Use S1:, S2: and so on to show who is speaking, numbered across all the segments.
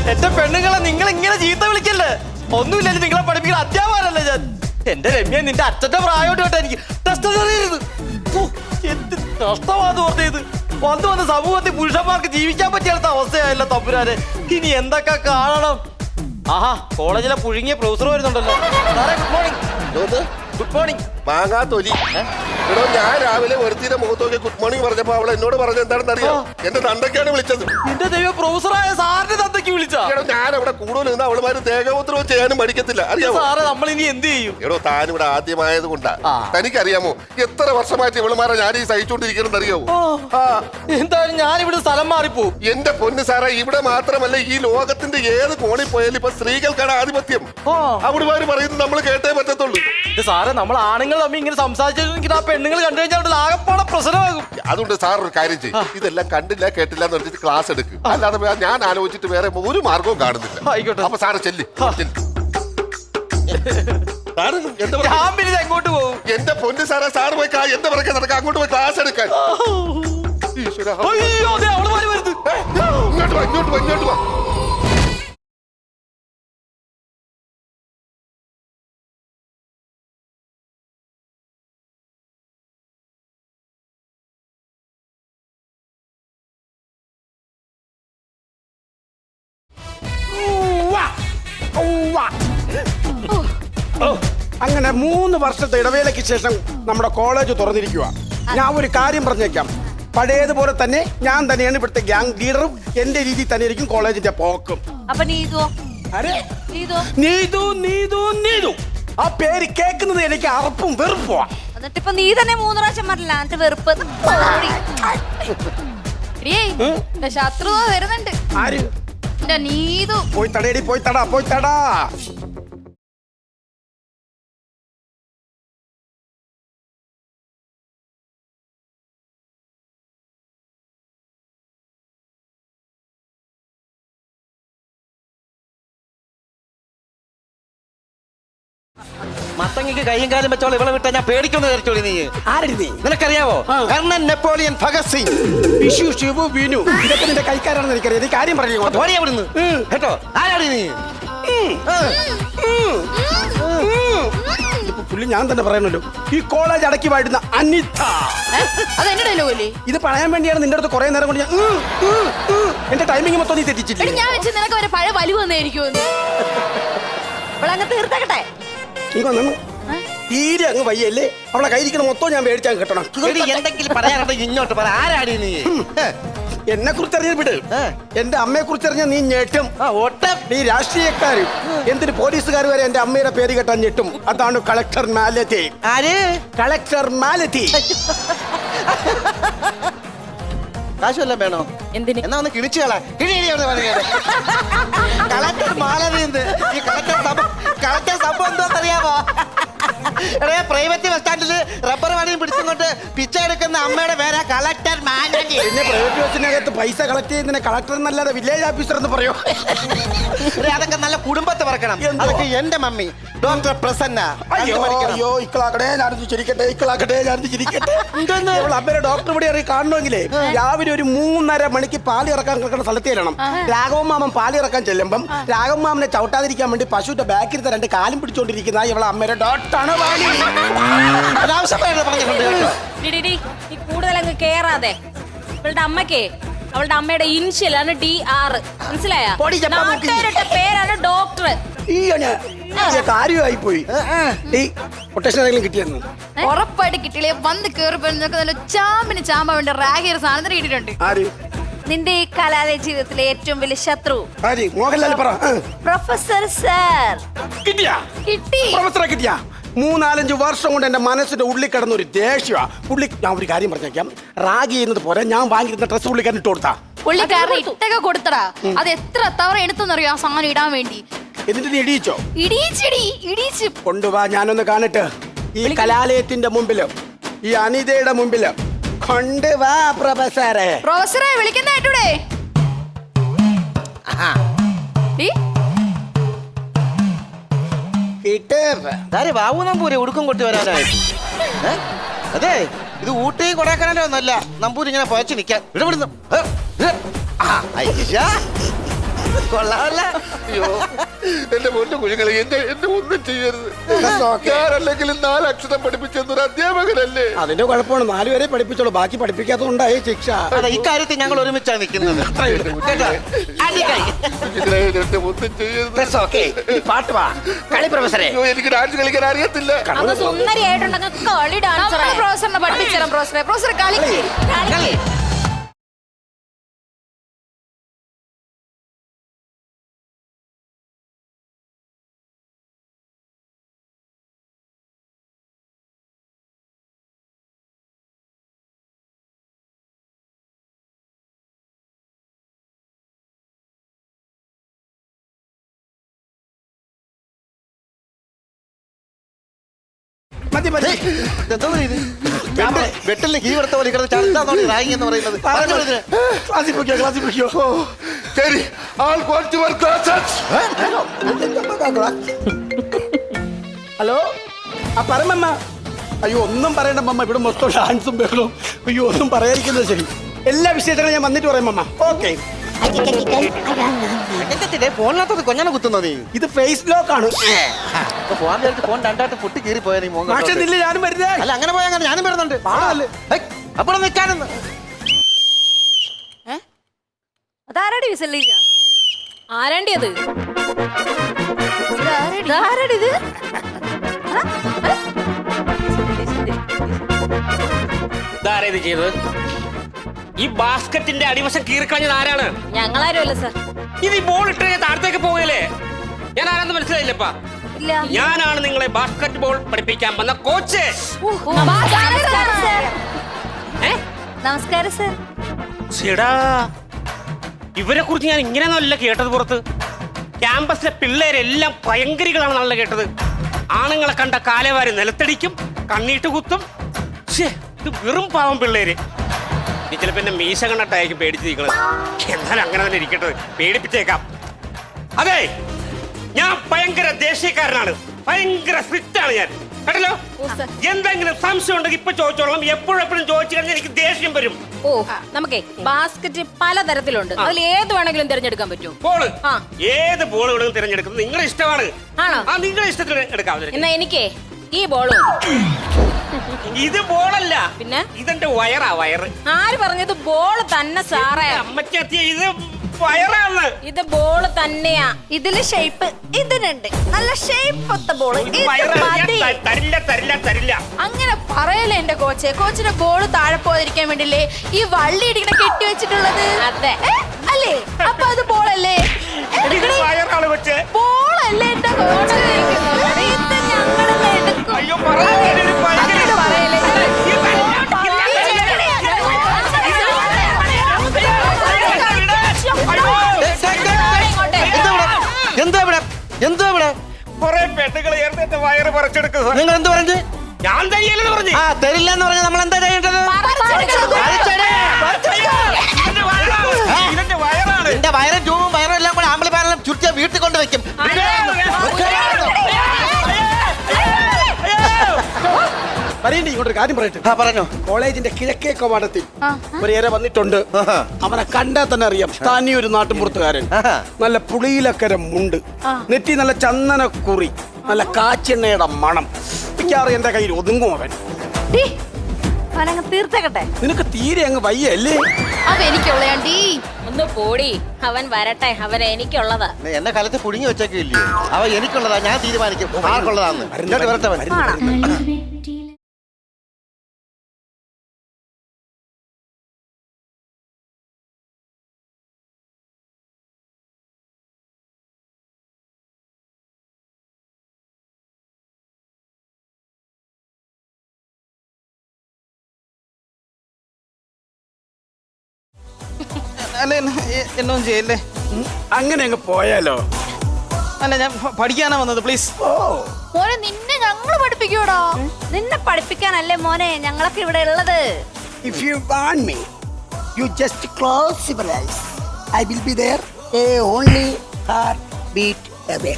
S1: എന്റെ പെണ്ണുങ്ങളെ നിങ്ങൾ ഇങ്ങനെ ചീത്ത വിളിക്കല്ലേ? ഒന്നുമില്ലല്ലോ, നിങ്ങളെ പഠിപ്പിക്കുന്ന അധ്യാപകനല്ലേ ഞാൻ. എന്റെ രമ്യ, നിന്റെ അച്ഛന്റെ പ്രായോട്ട് കേട്ടാ എനിക്ക് എന്ത് നഷ്ടമാണെന്ന് പറഞ്ഞത്. വന്ന് സമൂഹത്തിൽ പുരുഷന്മാർക്ക് ജീവിക്കാൻ പറ്റിയാത്ത അവസ്ഥയായല്ലോ തമ്പുരാനെ. ഇനി എന്തൊക്കെ കാണണം. ആഹാ, കോളേജിലെ പുഴുങ്ങിയ പ്രൊഫസർ വരുന്നുണ്ടല്ലോ. സാറേ ഗുഡ് മോർണിംഗ്. Good morning.
S2: മാങ്ങാ തൊലി. എടോ, ഞാൻ രാവിലെ ഒരുത്തിന്റെ മുഖത്ത് നോക്കി ഗുഡ് മോർണിംഗ് പറഞ്ഞപ്പോ അവൾ എന്നോട് പറഞ്ഞത് എന്താണെന്ന് അറിയാം? എന്റെ തന്തയ്ക്കാണ് വിളിച്ചത്.
S1: എന്റെ ദൈവം, പ്രൊഫസറായ സാറിന്റെ തന്തയ്ക്ക് വിളിച്ചാ?
S2: എടോ, ഞാൻ അവിടെ കൂടുതൽ നിന്ന് അവളുമാര് ദേഹോത്രവും ചെയ്യാനും പഠിക്കത്തില്ല, അറിയാമോ?
S1: സാറേ, നമ്മൾ ഇനി എന്ത് ചെയ്യും?
S2: എടോ, താനിവിടെ ആദ്യമായത് കൊണ്ടാ. തനിക്കറിയാമോ എത്ര വർഷമായിട്ട് ഇവളുമാരെ ഞാൻ ഈ സഹിച്ചോണ്ടിരിക്കണം അറിയാമോ?
S1: എന്തായാലും ഞാനിവിടെ സ്ഥലം മാറിപ്പോവും.
S2: എന്റെ പൊന്ന് സാറേ, ഇവിടെ മാത്രമല്ല ഈ ലോകത്തിന്റെ ഏത് കോണിൽ പോയാലും ഇപ്പൊ സ്ത്രീകൾക്കാണ് ആധിപത്യം. അവളുമാര് പറയുന്നത് നമ്മൾ കേട്ടേ പറ്റത്തുള്ളൂ.
S1: സാറേ, നമ്മൾ ആണുങ്ങൾ തമ്മിൽ ഇങ്ങനെ സംസാരിച്ചിട്ട് ആ പെണ്ണുങ്ങൾ കണ്ടു കഴിഞ്ഞാൽ ആകെപ്പാടെ പ്രശ്നമാകും.
S2: അതുകൊണ്ട് സാർ ഒരു കാര്യം ചെയ്യും, ഇതെല്ലാം കണ്ടില്ല കേട്ടില്ല എന്ന് പറഞ്ഞിട്ട് ക്ലാസ് എടുക്കും. അല്ലാതെ ഞാൻ ആലോചിച്ചിട്ട് വേറെ ഒരു മാർഗവും കാണുന്നില്ല.
S1: ആയിക്കോട്ടെ.
S2: അപ്പൊ സാറ് ചെല്ലി.
S1: ഞാൻ പിന്നെ എങ്ങോട്ട് പോകും?
S2: എന്റെ പൊന്ന് സാറേ, സാറ് പോയി എന്റെ പുറകെ നടക്കാം, അങ്ങോട്ട് പോയി ക്ലാസ് എടുക്കാൻ.
S1: അയ്യോ, അവള് മാറി വരുന്നത്.
S2: ഇങ്ങോട്ട് വാ, ഇങ്ങോട്ട് വാ, ഇങ്ങോട്ട് വാ.
S3: അങ്ങനെ 3 വർഷത്തെ ഇടവേളയ്ക്ക് ശേഷം നമ്മുടെ കോളേജ് തുറന്നിരിക്കുക. ഞാൻ ഒരു കാര്യം പറഞ്ഞേക്കാം, പഴയതുപോലെ തന്നെ ഞാൻ തന്നെയാണ് ഇവിടുത്തെ ഗ്യാങ് ലീഡറും. എന്റെ രീതിയിൽ തന്നെ ആയിരിക്കും കോളേജിന്റെ പോക്കും.
S4: അപ്പൊ നീതു
S3: ആ പേര് കേൾക്കുന്നത് എനിക്ക് അറപ്പും വെറുപ്പുവാ.
S4: എന്നിട്ടിപ്പൊ നീ തന്നെ 3 പ്രാവശ്യം പറഞ്ഞില്ല എന്നിട്ട് വെറുപ്പ്. ശത്രു വരുന്നുണ്ട്.
S3: ആര്?
S4: നീതു.
S3: പോയി തടയടി, പോയി തടാ, പോയി തടാ.
S1: മത്തങ്ങക്ക് കയ്യും കാലും വെച്ചോളൂ, ഇവളെ വിട്ടാ ഞാൻ പേടിക്കൊന്ന് കയറിച്ചോളി. നീ
S3: ആരടി നീ?
S1: നിനക്കറിയാവോ? കർണൻ, നെപ്പോളിയൻ, ഭഗത് സിംഗ്,
S3: വിഷു, ശിവു, ബിനു, ഇതൊക്കെ നിന്റെ കൈക്കാരാണെന്ന് എനിക്കറിയാം. നീ കാര്യം പറഞ്ഞു
S1: അവിടുന്ന് കേട്ടോ. ആരാടി നീ?
S3: ഇതിപ്പോ പുള്ളി ഞാൻ തന്നെ പറയണല്ലോ. ഈ കോളേജ് അടക്കി വാഴുന്ന അനിത. ഇത് പറയാൻ വേണ്ടിയാണ് നിന്റെ അടുത്ത് കുറെ നേരം കൊണ്ട് ഞാൻ എന്റെ ടൈമിംഗ് മൊത്തം നീ തെറ്റിച്ചില്ല.
S4: ഞാൻ വെച്ച് നിനക്ക് ഒരു പഴയ വലിവ് വന്നായിരിക്കും. തീർത്തക്കട്ടെ.
S3: തീരെ അങ്ങ് വയ്യല്ലേ? അവളെ കയ്യിരിക്കണ മൊത്തം ഞാൻ മേടിച്ചാൽ കിട്ടണം.
S1: എന്തെങ്കിലും പറയാനുണ്ടെങ്കിൽ ഇങ്ങോട്ട് പറ. ആരാടി നീ?
S3: എന്നെ കുറിച്ച് അറിയാൻ വിട്. എന്റെ അമ്മയെ കുറിച്ച് അറിഞ്ഞാൽ നീ ഞെട്ടും. നീ രാഷ്ട്രീയക്കാരും എന്തിന് പോലീസുകാർ വരെ എന്റെ അമ്മയുടെ പേര് കേട്ടാൻ ഞെട്ടും. അതാണ് കളക്ടർ മാലതി.
S1: ആര്?
S3: കളക്ടർ മാലതി.
S1: കാശുവല്ല വേണോ? എന്തിന്? എന്നാ ഒന്ന് കിണിച്ചു കളാ. കളക്ടർ മാലതി. ഈ കളക്ടർ സംഭവം എന്താണെന്നറിയാമോ? പ്രൈവറ്റ് ബസ് സ്റ്റാൻഡിൽ റബ്ബർ വാണിയും പിടിച്ചുകൊണ്ട് പിച്ച എടുക്കുന്ന അമ്മയുടെ പേരാ കളക്ടർ മാലതി.
S3: പിന്നെ പ്രൈവറ്റ് ബസ്സിനകത്ത് പൈസ കളക്ട് ചെയ്യുന്നതിന് കളക്ടർ എന്നല്ലാതെ വില്ലേജ് ഓഫീസർ എന്ന് പറയോ?
S1: അതൊക്കെ നല്ല കുടുംബത്തെ പറക്കണം. അതൊക്കെ എന്റെ മമ്മി ഡോക്ടർ പ്രസന്ന.
S3: അയ്യോ, ഇക്കളാക്കടേ, ഞാനത് ചിരിക്കട്ടെ, ഇക്കളാക്കട്ടെ, ഞാനത് ചിരിക്കട്ടെ. അമ്മയുടെ ഡോക്ടർ ഇവിടെ ഇറങ്ങി കാണണമെങ്കിലേ രാവിലെ ഒരു 3:30 മണിക്ക് പാല് ഇറക്കാൻ കിടക്കുന്ന സ്ഥലത്ത് ചെല്ലണം. രാഘവൻ മാമൻ പാല് ഇറക്കാൻ ചെല്ലുമ്പം രാഘവൻ മാമനെ ചവിട്ടാതിരിക്കാൻ വേണ്ടി പശുവിന്റെ ബാക്കിലത്തെ 2 കാലും പിടിച്ചോണ്ടിരിക്കുന്ന ഇവളെ അമ്മയുടെ ഡോക്ടറാണ്.
S4: കൂടുതൽ അങ്ങ് കേറാതെ. ഇവളുടെ അമ്മക്കേ അവളുടെ അമ്മയുടെ ഇനിഷ്യലാണ് DR. മനസ്സിലായോ? പേരാണ് ഡോക്ടർ.
S3: കാര്യമായി പോയി. കൊട്ടേഷൻ എന്തെങ്കിലും കിട്ടിയിരുന്നു?
S4: ഉറപ്പായിട്ട് കിട്ടിയില്ലേ? വന്ന് കേറിപ്പോ ചാമ്പിന് ചാമ്പാൻ വേണ്ടി റാഗിയ സാധനം കിട്ടിയിട്ടുണ്ട്. നിന്റെ ഈ കലാലയ ജീവിതത്തിലെ ഏറ്റവും വലിയ ശത്രു
S3: മോഹൻലാൽ പറ.
S4: Professor sir.
S3: കിട്ടിയാ?
S4: കിട്ടി.
S3: പ്രൊഫസറെ കിട്ടിയാ? 3-4 വർഷം കൊണ്ട് എന്റെ മനസ്സിന്റെ ഉള്ളിൽ കിടന്ന ഒരു ദേഷ്യമാ പുള്ളി. ഞാൻ ഒരു കാര്യം പറഞ്ഞേക്കാം, റാഗി ചെയ്യുന്നത് പോലെ ഞാൻ വാങ്ങിയിരുന്ന ഡ്രസ് പുള്ളിക്കാരൻ ഇട്ട് കൊടുത്താ.
S4: പുള്ളിക്കാരൻ ഇട്ടൊക്കെ കൊടുത്തടാ. അത് എത്ര തവണ എടുത്തെന്നറിയോ ആ സാധനം ഇടാൻ വേണ്ടി?
S3: എന്നിട്ട് നീ ഇടിയിച്ചോ?
S4: ഇടിച്ചു.
S3: കൊണ്ടുവാ, ഞാനൊന്ന് കാണട്ടെ. ഈ കലാലയത്തിന്റെ മുമ്പില്, ഈ അനിതയുടെ മുമ്പില് കൊണ്ടുവാ പ്രൊഫസറെ.
S4: പ്രൊഫസറെ വിളിക്കുന്ന കേട്ടൂടെ?
S1: ബാബു നമ്പൂരി ഉടുക്കം കൊട്ടി വരാനായിട്ട്. അതെ, ഇത് ഊട്ടി കൊടൈക്കനാലോ ഒന്നല്ല. നമ്പൂരി ഇങ്ങനെ പോയച്ച് നിൽക്കാൻ. ഇവിടെ വിടുന്നു.
S5: കൊള്ളാമല്ല.
S2: അയ്യോ എന്റെ പൊന്നു കുഞ്ഞുങ്ങളെ എന്നെ ഒന്നും ചെയ്യരുത്. ഞാനല്ലെങ്കിലും 4 അക്ഷരം പഠിപ്പിച്ചെന്നൊരു അധ്യാപകനല്ലേ.
S3: അതിന്റെ കുഴപ്പമാണ് 4 വരെ പഠിപ്പിച്ചോളൂ, ബാക്കി പഠിപ്പിക്കാത്തതുകൊണ്ടായി ശിക്ഷ.
S5: അതെ, ഇക്കാര്യത്തിൽ ഞങ്ങൾ ഒരുമിച്ചാണ് നിൽക്കുന്നത്. കേട്ടോ? അടിക്കായി.
S2: കുഞ്ഞുങ്ങളെ എന്നെ ഒന്നും ചെയ്യരുത്.
S5: That's okay. ഈ പാട്ട് വാ കളി പ്രൊഫസറെ.
S2: അയ്യോ എനിക്ക് ഡാൻസ് കളിക്കാൻ അറിയത്തില്ല.
S4: അങ്ങ് സുന്ദരിയായിട്ടുണ്ടെങ്കിൽ കളി ഡാൻസർ പ്രൊഫസറിനെ പഠിപ്പിച്ചേരാം. പ്രൊഫസറെ കളിക്ക്.
S5: കളി.
S3: മതി മതി.
S5: എന്തോ ഇത് വെട്ടലിന് കീ കൊടുത്ത പോലെ കിടന്ന് ചടുത്താന്നോ റാഗിങ് എന്ന് പറയുന്നത്.
S3: ക്ലാസ്സിൽ പോയിക്കോ, ക്ലാസ്സിൽ പോയിക്കോ.
S2: ശരി ആൾ ക്വാളിറ്റി വർക്ക് ക്ലാസ്സസ്.
S3: ഹലോ, ആ പറമമ്മ. അയ്യോ ഒന്നും പറയണ്ട മമ്മ, ഇവിടെ മൊത്തം ഡാൻസും ബഹളവും. അയ്യോ ഒന്നും പറയാതിരിക്കുന്നത് ശരി. എല്ലാ വിശേഷങ്ങളും ഞാൻ വന്നിട്ട് പറയാം മമ്മ. ഓക്കെ.
S5: ഫോണിനകത്ത് കൊഞ്ഞാണ് കുത്തുന്നത് നീ.
S3: ഇത് ഫേസ് ലോക്ക് ആണ്.
S5: ഫോൺ ചേർത്ത് ഫോൺ രണ്ടായിട്ട് പൊട്ടി കീറി പോയാ നീ മോൻ.
S3: പക്ഷെ നില്ല ഞാനും വരുന്നേ.
S5: അല്ല അങ്ങനെ പോയാ അങ്ങനെ ഞാനും വരുന്നുണ്ട്. അപ്പോൾ നിൽക്കാനെന്ന്
S4: അതാരടി വിസലിക്ക? ആരാണ്ടി അത്? ഇത്
S6: ഇതാരാ ഇത് ചെയ്തത്? ഈ ബാസ്ക്കറ്റിന്റെ അടിവശം കീറിക്കളഞ്ഞത് ആരാണ്?
S4: ഞങ്ങളാരും അല്ല സാർ.
S6: ഇത് ഈ ബോൾ ഇട്ട് താഴത്തേക്ക് പോകല്ലേ? ഞാൻ ആരാന്ന് മനസ്സിലായില്ലപ്പാ.
S4: ഇല്ല.
S6: ഞാനാണ് നിങ്ങളെ ബാസ്ക്കറ്റ് ബോൾ പഠിപ്പിക്കാൻ വന്ന കോച്ച്.
S4: നമസ്കാരം സാർ.
S6: ചേടാ, ഇവരെ കുറിച്ച് ഞാൻ ഇങ്ങനെയൊന്നുമല്ല കേട്ടത്. പുറത്ത് ക്യാമ്പസിലെ പിള്ളേരെല്ലാം ഭയങ്കരികളാണെന്നല്ല കേട്ടത്. ആണുങ്ങളെ കണ്ട കാലേവാരി നിലത്തടിക്കും, കണ്ണീട്ട് കുത്തും. ഇത് വെറും പാവം പിള്ളേര്. നീ ചിലപ്പോ എന്നെ മീശ കണ്ടിട്ടായിരിക്കും പേടിച്ചിരിക്കണത്. എന്നാലും അങ്ങനെ തന്നെ ഇരിക്കട്ടെ, പേടിപ്പിച്ചേക്കാം. അതെ, ഞാൻ ഭയങ്കര ദേഷ്യക്കാരനാണ്, ഭയങ്കര സ്ട്രിക്റ്റ് ആണ് ഞാൻ, കേട്ടല്ലോ. എന്തെങ്കിലും സംശയം ഉണ്ടെങ്കിൽ ഇപ്പൊ ചോദിച്ചോളാം. എപ്പോഴെപ്പോഴും ചോദിച്ചു കഴിഞ്ഞാൽ എനിക്ക് ദേഷ്യം വരും.
S7: ഓ, നമുക്കേ ബാസ്ക്കറ്റ് പലതരത്തിലുണ്ട്, അതിൽ ഏത് വേണമെങ്കിലും തിരഞ്ഞെടുക്കാൻ പറ്റും.
S6: ബോള് ഏത് ബോൾ വേണമെങ്കിലും തിരഞ്ഞെടുക്കുന്നത് നിങ്ങളുടെ ഇഷ്ടമാണ്.
S7: ആണോ?
S6: ആ, നിങ്ങളുടെ ഇഷ്ടത്തിന് എടുക്കാം.
S7: എന്നാ എനിക്കേ ഈ ബോളും.
S6: ഇത് ബോളല്ല,
S7: പിന്നെ
S6: ഇതെന്റെ വയറാ. വയറ്.
S7: ആര് പറഞ്ഞത് ബോൾ തന്നെ സാറേ?
S6: അമ്മയ്ക്കെത്തിയ ഇത് വയറാണ്.
S7: ഇത് ബോൾ തന്നെയാ.
S4: ഇതില് ഷേപ്പ് ഇതിനുണ്ട്, നല്ല ഷേപ്പ് ഒത്ത ബോള്.
S6: തരില്ല തരില്ല തരില്ല.
S4: അങ്ങനെ പറയല്ലേ എന്റെ കോച്ച്. കോച്ചിന്റെ ബോൾ താഴെ പോകാതിരിക്കാൻ വേണ്ടില്ലേ ഈ വള്ളി ഇടിക്കണ കെട്ടി വെച്ചിട്ടുള്ളത്?
S7: അതെ.
S4: അല്ലേ? അപ്പൊ അത് ബോളല്ലേ?
S6: വയറാണ് കൊച്ചേ.
S4: ബോളല്ലേ എന്റെ കോച്ച്? ഇത് ഞങ്ങളെല്ലാം എടുക്കും.
S6: അയ്യോ, പറയല്ലേ.
S5: എന്താ ഇവിടെ? എന്താ ഇവിടെ?
S6: കുറെ പെണ്ണുകൾ എന്റെ വയറ് പറിച്ചെടുക്കുക.
S5: നിങ്ങൾ എന്ത് പറഞ്ഞു?
S6: ഞാൻ തരില്ലെന്ന് പറഞ്ഞു.
S5: ആ, തരില്ല എന്ന് പറഞ്ഞാൽ നമ്മൾ എന്താ ചെയ്യേണ്ടത്?
S6: ഇതെന്റെ വയറാണ്.
S5: എന്റെ വയറും ട്യൂബും വയറും എല്ലാം കൂടെ ആമ്പിളി പാരലും ചുറ്റിയ വീട്ടിൽ കൊണ്ട് വെക്കും.
S3: പറയണ്ടേ, ഇങ്ങോട്ടൊരു കാര്യം പറയട്ടെ.
S5: പറഞ്ഞോ.
S3: കോളേജിന്റെ കിഴക്കേ കവാടത്തിൽ ഒരു ഏറെ വന്നിട്ടുണ്ട്. അവനെ കണ്ടാൽ തന്നെ അറിയാം, സ്ഥാനീയ ഒരു നാട്ടുമ്പുറത്തുകാരൻ. നല്ല പുളിയിലക്കര മുണ്ട്, നെറ്റി നല്ല ചന്ദനക്കുറി, നല്ല കാച്ചെണ്ണയുടെ മണം. മിക്കാറും എന്റെ കയ്യിൽ ഒതുങ്ങും അവൻ.
S4: തീർത്തേക്കട്ടെ.
S3: നിനക്ക് തീരെ അങ്ങ് വയ്യ അല്ലേ?
S4: അവ എനിക്കുള്ളയാണ്ടി.
S7: ഒന്ന് പോടി, അവൻ വരട്ടെ, അവൻ എനിക്കുള്ളതാ.
S5: എന്നെ കാലത്ത് പുഴുങ്ങി വെച്ചേക്കില്ലയോ? അവ എനിക്കുള്ളതാ, ഞാൻ തീരുമാനിക്കും ആർക്കുള്ളതാന്ന്. വരട്ടെ.
S1: അല്ല എന്നൊന്നും ചെയ്യല്ലേ.
S3: അങ്ങനെ അങ്ങ് പോയാലോ?
S1: അല്ല, ഞാൻ പഠിക്കാനാ വന്നത്. പ്ലീസ്.
S4: മോനെ, നിന്നെ ഞങ്ങൾ പഠിപ്പിക്കൂടോ? നിന്നെ പഠിപ്പിക്കാനല്ലേ മോനെ ഞങ്ങളൊക്കെ ഇവിടെ ഉള്ളത്.
S3: If you want me, you just close your eyes. I will be there, only heartbeat away.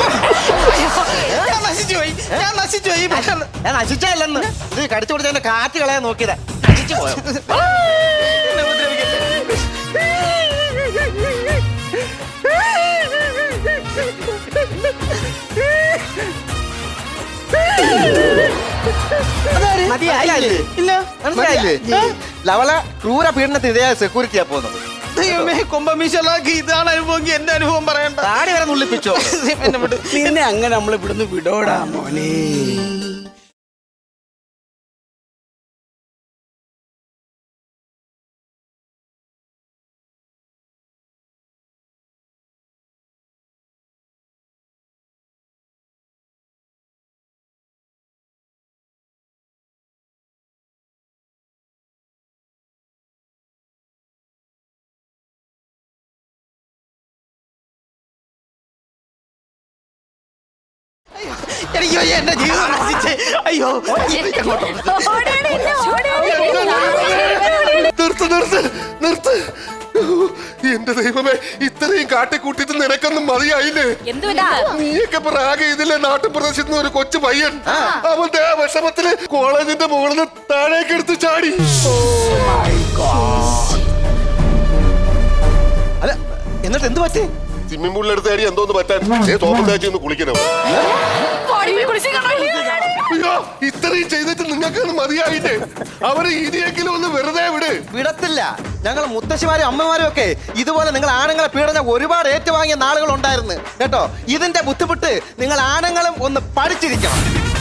S1: ഞാൻ നശിച്ചുപോയി.
S5: ഞാൻ നശിച്ചല്ലെന്ന് ഇത് കടിച്ചു കൊടുത്തതിന്റെ കാറ്റ് കളയാൻ നോക്കിയതാ. നശിച്ചു പോയോ?
S3: മതിയായില്ലേ? ഇല്ല
S5: മനസ്സിലായില്ലേ? ലവള ക്രൂര പീഡനത്തിനിരയായ സെക്യൂരിറ്റിയാ പോകുന്നത്.
S3: ദൈവമേ, കൊമ്പമീശലാക്കി ഇതാണ് അനുഭവം. എന്റെ അനുഭവം പറയണ്ട.
S5: താടി വരെ നുള്ളിപ്പിച്ചോ.
S3: എന്നെ വിട്. നിന്നെ അങ്ങനെ നമ്മൾ ഇവിടുന്ന് വിടോടാ മോനെ. അയ്യോ, എന്റെ ജീവിതം നശിച്ചേ. അയ്യോ,
S2: നിർത്ത്. എന്റെ ദൈവമേ, ഇത്രയും കാട്ടിക്കൂട്ടിട്ട് നിനക്കൊന്നും മതിയായില്ലേ?
S7: എന്തുവാ
S2: നീയൊക്കെ പ്രാഗ ഇതിലെ നാട്ടുപ്രദേശത്ത് നിന്ന് ഒരു കൊച്ചു പയ്യൻ അവന്റെ ആ വിഷമത്തില് കോളേജിന്റെ മുകളിൽ നിന്ന് താഴേക്ക് എടുത്ത് ചാടി.
S5: അല്ല, എന്നിട്ട് എന്ത് പറ്റി?
S2: സ്വിമ്മിംഗ് പൂളിലെടുത്ത് അടി എന്തോന്ന് പറ്റാൻ സോപ്പും തേച്ച് ഒന്ന് കുളിക്കണം. അയ്യോ, ഇത്രയും ചെയ്തിട്ട് നിങ്ങൾക്ക് മതിയായില്ലേ? അവര് ഇനിയെങ്കിലും ഒന്ന് വെറുതെ വിട്.
S5: വിടത്തില്ല. ഞങ്ങൾ മുത്തശ്ശിമാരും അമ്മമാരും ഒക്കെ ഇതുപോലെ നിങ്ങൾ ആണുങ്ങളെ പീഡന ഒരുപാട് ഏറ്റുവാങ്ങിയ നാളുകൾ ഉണ്ടായിരുന്നു കേട്ടോ. ഇതിന്റെ ബുദ്ധിമുട്ട് നിങ്ങൾ ആണുങ്ങളും ഒന്ന് പഠിച്ചിരിക്കണം.